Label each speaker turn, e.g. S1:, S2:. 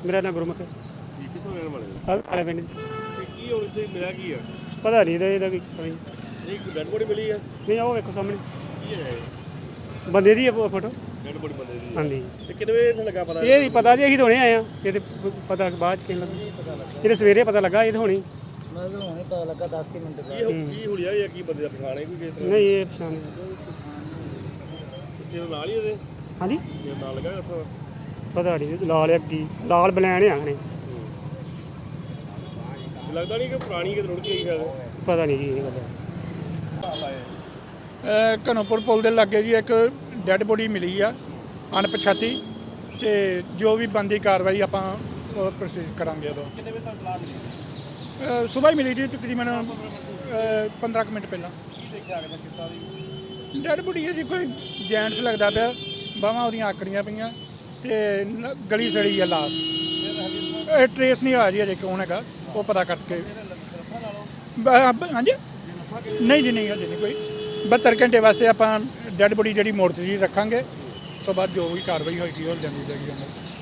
S1: ਮੇਰਾ ਨਾਮ ਗੁਰਮੁਖ
S2: ਕਿੱਥੋਂ ਰਹਿਣ ਵਾਲੇ ਹੋ?
S1: ਕਾਲੇ ਪਿੰਡ
S2: ਤੇ ਕੀ ਹੁਣ ਇੱਥੇ ਮਿਲਿਆ ਕੀ ਆ?
S1: ਪਤਾ ਨਹੀਂ ਇਹਦਾ ਕੋਈ ਸਮਝ
S2: ਨਹੀਂ ਕੋਈ ਡੈਡ ਬੋਡੀ ਮਿਲੀ ਆ?
S1: ਨਹੀਂ। ਉਹ ਵੇਖੋ ਸਾਹਮਣੇ
S2: ਕੀ ਹੈ ਇਹ?
S1: ਬੰਦੇ ਦੀ ਫੋਟੋ।
S2: ਡੈਡ ਬੋਡੀ ਬੰਦੇ ਦੀ?
S1: ਹਾਂਜੀ।
S2: ਤੇ ਕਿੰਨੇ ਵਜੇ ਇੱਥੇ ਲੱਗਾ ਪਤਾ?
S1: ਇਹ ਨਹੀਂ ਪਤਾ ਜੀ, ਅਸੀਂ ਤਾਂ ਹੁਣੇ ਆਏ ਆ। ਇਹ ਤੇ ਪਤਾ ਬਾਅਦ ਚ ਕਿਹਨ ਲੱਗਾ, ਇਹਦੇ ਸਵੇਰੇ ਪਤਾ ਲੱਗਾ। ਇਹ ਤਾਂ ਹੁਣੀ
S3: ਮੈਂ ਤਾਂ ਹੁਣੇ ਪਤਾ ਲੱਗਾ 10 ਮਿੰਟ
S2: ਕੀ ਹੁਲੀਆ ਜਾਂ ਕੀ ਬੰਦੇ ਦਾ ਪਛਾਣ ਹੈ ਕੋਈ ਕਿਸ ਤਰ੍ਹਾਂ?
S1: ਨਹੀਂ। ਇਹ ਪਛਾਣ
S2: ਕਿਸੇ ਦੇ ਨਾਲ ਹੀ ਇਹਦੇ
S1: ਹਾਂਜੀ
S2: ਕਿਸੇ ਨਾਲ ਲੱਗਾ ਉੱਥੋਂ?
S1: ਪਤਾ ਨਹੀਂ ਲਾਲ ਆ ਕੀ ਲਾਲ ਬਲੈਣ ਆ ਹਣੇ।
S2: ਲੱਗਦਾ ਨਹੀਂ ਕਿ ਪੁਰਾਣੀ ਕਿਤੇ ਰੁੜ ਗਈ ਹੈ।
S1: ਪਤਾ ਨਹੀਂ ਜੀ, ਇਹ ਪਤਾ।
S4: ਘਨੋਪੁਰ ਪੁਲ ਦੇ ਲਾਗੇ ਜੀ ਇੱਕ ਡੈੱਡ ਬੋਡੀ ਮਿਲੀ ਆ ਅਣਪਛਾਤੀ, ਤੇ ਜੋ ਵੀ ਬਣਦੀ ਕਾਰਵਾਈ ਆਪਾਂ ਪ੍ਰੋਸੀਡ ਕਰਾਂਗੇ। ਉਦੋਂ
S2: ਕਿੰਨੇ ਵਜੇ ਤੱਕ ਪਲਾਨ ਮਿਲੀ?
S4: ਸਵੇਰ ਹੀ ਮਿਲੀ ਜੀ, ਤਕਰੀਬਨ 15 ਕੁ ਮਿੰਟ ਪਹਿਲਾਂ।
S2: ਕੀ ਦੇਖਿਆ ਕਿ ਕਿੱਦਾਂ ਦੀ?
S4: ਡੈੱਡ ਬੋਡੀ ਹੈ ਜੀ, ਕੋਈ ਜੈਂਟਸ ਲੱਗਦਾ ਪਿਆ, ਬਾਹਾਂ ਉਹਦੀਆਂ ਆਕੜੀਆਂ ਪਈਆਂ ਤੇ ਗਲੀ ਸੜੀ ਆ ਲਾਸ਼। ਇਹ ਟਰੇਸ ਨਹੀਂ ਹੋਇਆ ਜੀ ਅਜੇ ਕੌਣ ਹੈਗਾ, ਉਹ ਪਤਾ ਕਰਕੇ। ਹਾਂਜੀ ਨਹੀਂ ਜੀ, ਨਹੀਂ ਹਜੇ ਨਹੀਂ ਕੋਈ। 72 ਘੰਟੇ ਵਾਸਤੇ ਆਪਾਂ ਡੈੱਡ ਬੋਡੀ ਜਿਹੜੀ ਮੋਰਚਰੀ ਰੱਖਾਂਗੇ, ਉਸ ਤੋਂ ਬਾਅਦ ਜੋ ਵੀ ਕਾਰਵਾਈ ਹੋਏਗੀ ਉਹ ਜਾਂਦੀ ਜਾਏਗੀ।